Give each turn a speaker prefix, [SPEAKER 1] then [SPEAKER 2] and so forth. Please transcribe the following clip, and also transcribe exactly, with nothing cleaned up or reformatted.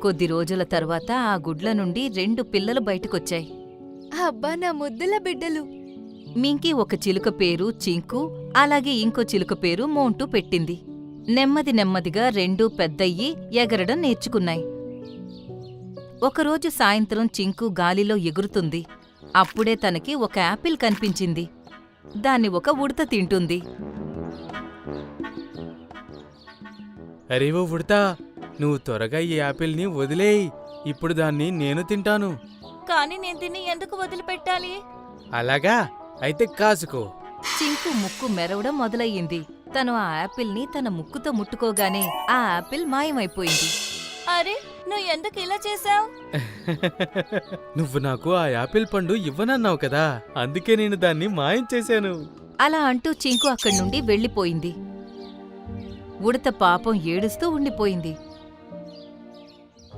[SPEAKER 1] కొద్ది రోజుల తర్వాత ఆ గుడ్ల నుండి రెండు పిల్లలు బయటకొచ్చాయి.
[SPEAKER 2] అబ్బా నా ముద్దుల బిడ్డలు.
[SPEAKER 1] మింకీ ఒక చిలుక పేరు చింకు, అలాగే ఇంకో చిలుక పేరు మోంటూ పెట్టింది. నెమ్మది నెమ్మదిగా రెండూ పెద్దయ్యి ఎగరడం నేర్చుకున్నాయి. ఒకరోజు సాయంత్రం చింకు గాలిలో ఎగురుతుంది. అప్పుడే తనకి ఒక యాపిల్ కనిపించింది. దాన్ని ఒక ఉడత తింటుంది.
[SPEAKER 3] అరే ఓ ఉడతా, నువ్వు త్వరగా ఈ యాపిల్ని వదిలేయ్. ఇప్పుడు దాన్ని నేను తింటాను.
[SPEAKER 2] కానీ నేను తిని ఎందుకు వదిలిపెట్టాలి?
[SPEAKER 3] అలాగా, అయితే కాసుకో.
[SPEAKER 1] చింకు ముక్కు మెరవడం మొదలయ్యింది. తను ఆ యాపిల్ని తన ముక్కుతో ముట్టుకోగానే ఆ యాపిల్ మాయమైపోయింది.
[SPEAKER 2] అరే, నువ్వు ఎందుకు ఇలా చేశావు?
[SPEAKER 3] నువ్వు నాకు ఆ యాపిల్ పండు ఇవ్వనన్నావు కదా, అందుకే నేను దాన్ని మాయం చేశాను.
[SPEAKER 1] అలా అంటూ చింకు అక్కడి నుండి వెళ్ళిపోయింది. ఉడత పాపం ఏడుస్తూ ఉండిపోయింది.